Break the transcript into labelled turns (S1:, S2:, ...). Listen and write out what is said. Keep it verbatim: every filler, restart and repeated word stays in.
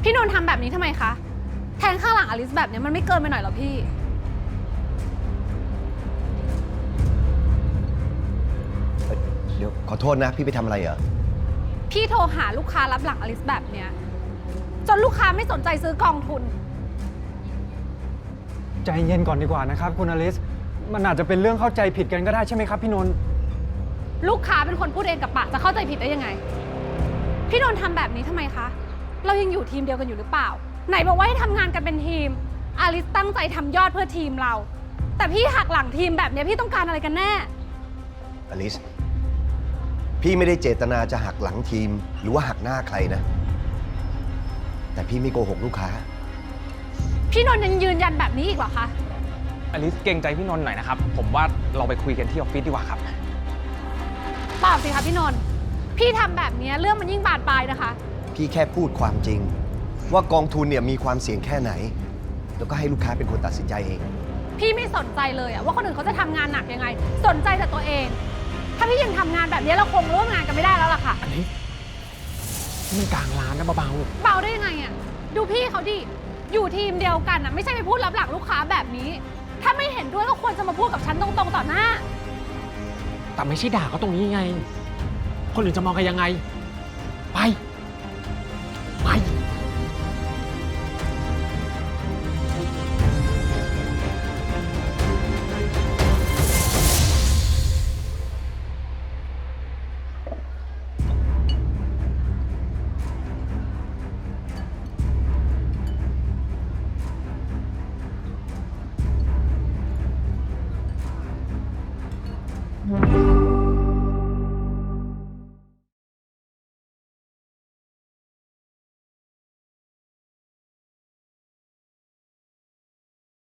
S1: พี่นนท์ทำแบบนี้ทำไมคะแทงข้างหลังอลิสแบบนี้มันไม่เกินไปหน่อยหรอพี่
S2: เดี๋ยวขอโทษนะพี่ไปทำอะไรเหรอ
S1: พี่โทรหาลูกค้ารับหลังอลิสแบบเนี้ยจนลูกค้าไม่สนใจซื้อกองทุน
S3: ใจเย็นก่อนดีกว่านะครับคุณอลิสมันอาจจะเป็นเรื่องเข้าใจผิดกันก็ได้ใช่ไหมครับพี่นนท์
S1: ลูกค้าเป็นคนพูดเองกับปากจะเข้าใจผิดได้ยังไงพี่นนท์ทำแบบนี้ทำไมคะเรายังอยู่ทีมเดียวกันอยู่หรือเปล่าไหนบอกว่าให้ทำงานกันเป็นทีมอลิสตั้งใจทำยอดเพื่อทีมเราแต่พี่หักหลังทีมแบบนี้พี่ต้องการอะไรกันแน่
S2: อลิสพี่ไม่ได้เจตนาจะหักหลังทีมหรือว่าหักหน้าใครนะแต่พี่ไม่โกหกลูกค้า
S1: พี่นนท์ยังยืนยันแบบนี้อีกเหรอคะ
S4: อลิสเกรงใจพี่นนท์หน่อยนะครับผมว่าเราไปคุยกันที่ออฟฟิศดีกว่าครับ
S1: เปล่าสิคะพี่นนท์พี่ทำแบบนี้เรื่องมันยิ่งบานปลายนะคะ
S2: พี่แค่พูดความจริงว่ากองทุนเนี่ยมีความเสี่ยงแค่ไหนแล้วก็ให้ลูกค้าเป็นคนตัดสินใจเอง
S1: พี่ไม่สนใจเลยอะว่าคนอื่นเขาจะทำงานหนักยังไงสนใจแต่ตัวเองถ้าพี่ยังทำงานแบบนี้เราคงร่วมงานกันไม่ได้แล้วล่ะค่ะ
S4: อันนี้มันกลางร้านนะเบา
S1: ๆเบาได้ยังไงอะดูพี่เขาดิอยู่ทีมเดียวกันอะไม่ใช่ไปพูดรับหลังลูกค้าแบบนี้ถ้าไม่เห็นด้วยก็ควรจะมาพูดกับฉันตรงๆต่อหน้า
S4: แต่ไม่ใช่ด่าเขาตรงนี้ไงคนอื่นจะมองกันยังไงไปไป